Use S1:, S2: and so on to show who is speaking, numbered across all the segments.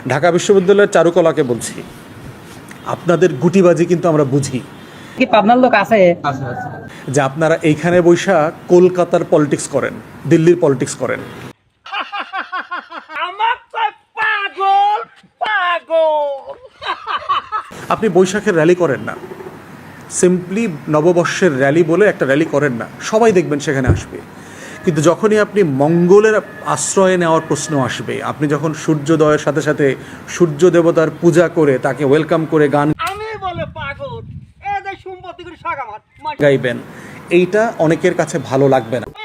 S1: ঢাকা বিশ্ববিদ্যালয়ের চারুকলাকে বলছি, আপনাদের গুটিবাজি কিন্তু আমরা বুঝি।
S2: কি পাবনার লোক আছে
S1: যে আপনারা এইখানে বৈশা কলকাতার পলিটিক্স করেন, দিল্লির পলিটিক্স করেন। আপনি বৈশাখের র্যালি করেন না, সিম্পলি নববর্ষের র্যালি বলে একটা র্যালি করেন না, সবাই দেখবেন সেখানে আসবে। কিন্তু যখনই আপনি মঙ্গলের আশ্রয় নেওয়ার প্রশ্ন আসবে, আপনি যখন সূর্যোদয়ের সাথে সাথে সূর্য দেবতার পূজা করে তাকে ওয়েলকাম করে গান গাইবেন, এইটা অনেকের কাছে ভালো লাগবে না।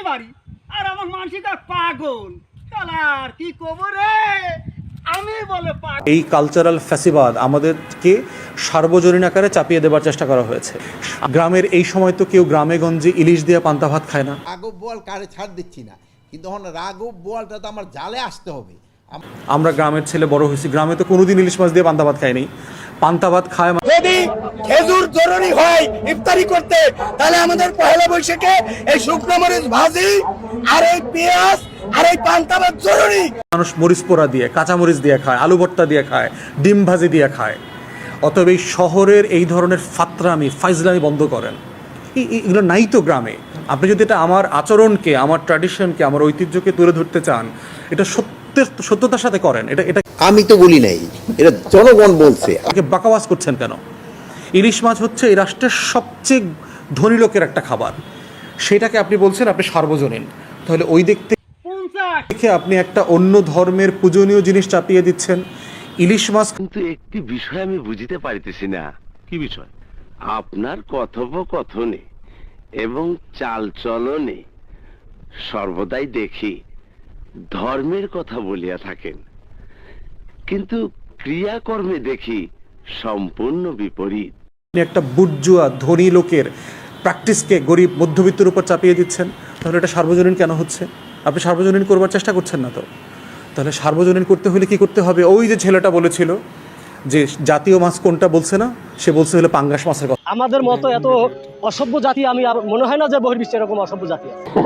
S1: এই কালচারাল ফ্যাসিবাদ আমাদেরকে সার্বজনীন আকারে চাপিয়ে দেবার চেষ্টা করা হয়েছে। গ্রামের এই সময় তো কেউ গ্রামে গঞ্জে ইলিশ দিয়ে পান্তা ভাত খায় না।
S3: রাঘব বোয়াল কারে ছাড় দিচ্ছি না, কিন্তু এখন রাঘব বোয়ালটা তো আমার জালে আসতে হবে।
S1: আমরা গ্রামের ছেলে বড় হয়েছি, গ্রামে তো কোনোদিন ইলিশ মাছ দিয়ে পান্তা ভাত খায়নি। পান্তা ভাত খায়
S4: যদি খেজুর জরুরি হয় ইফতারি করতে, তাহলে আমাদের পহেলা বৈশাখে এই শুকনো মরিচ ভাজি আর এই পেঁয়াজ আর এই পান্তা ভাত জরুরি।
S1: মানুষ মরিচ পোড়া দিয়ে, কাঁচা মরিচ দিয়ে খায়, আলু ভর্তা দিয়ে খায়, ডিম ভাজি দিয়ে খায়। অতএব এই শহরের এই ধরনের ফাতরামি ফাইজলামি বন্ধ করেন। এগুলো নাই তো গ্রামে। আপনি যদি এটা আমার আচরণকে, আমার ট্র্যাডিশনকে, আমার ঐতিহ্যকে তুলে ধরতে চান, এটা সত্যতার সাথে করেন। এটা
S3: আমি তো বলি নাই, এটা জনগণ বলছে।
S1: বাকাওয়াজ করছেন কেন? ইলিশ মাছ হচ্ছে এই রাষ্ট্রের সবচেয়ে ধনী লোকের একটা খাবার, সেটাকে আপনি বলছেন আপনি সার্বজনীন। তাহলে ওই দেখতে দেখে আপনি একটা অন্য ধর্মের পূজনীয় জিনিস চাপিয়ে দিচ্ছেন। ইলিশ মাছ
S5: কিন্তু একটি বিষয় আমি বুঝিতে পারিতেছি না। কি বিষয়? আপনার কথোপকথনে এবং চালচলনে সর্বদাই দেখি ধর্মের কথা বলিয়া থাকেন, কিন্তু ক্রিয়াকর্মে দেখি সম্পূর্ণ বিপরীত।
S1: আপনি একটা বুর্জুয়া ধনী লোকের প্র্যাকটিসকে গরিব মধ্যবিত্তের উপর চাপিয়ে দিচ্ছেন। তাহলে এটা সার্বজনীন কেন হচ্ছে? আপনি সার্বজনীন করবার চেষ্টা করছেন না তো। তাহলে সার্বজনীন করতে হলে কি করতে হবে? ওই যে ছেলেটা বলেছিল যে জাতীয় মাছ কোনটা বলছে না, সে বলছে হলো পাঙ্গাস মাছের কথা।
S6: আমাদের মতো এত অসভ্য জাতি আমি আর মনে হয় না যে বহির্বিশ্বে এরকম অসভ্য জাতি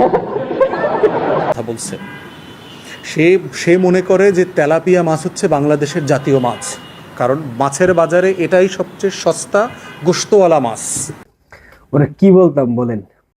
S1: কথা বলছে। সে মনে করে যে তেলাপিয়া মাছ হচ্ছে বাংলাদেশের জাতীয় মাছ, কারণ মাছের বাজারে এটাই সবচেয়ে সস্তা গোশতওয়ালা মাছ।
S2: ওরা কি বলতাম বলেন?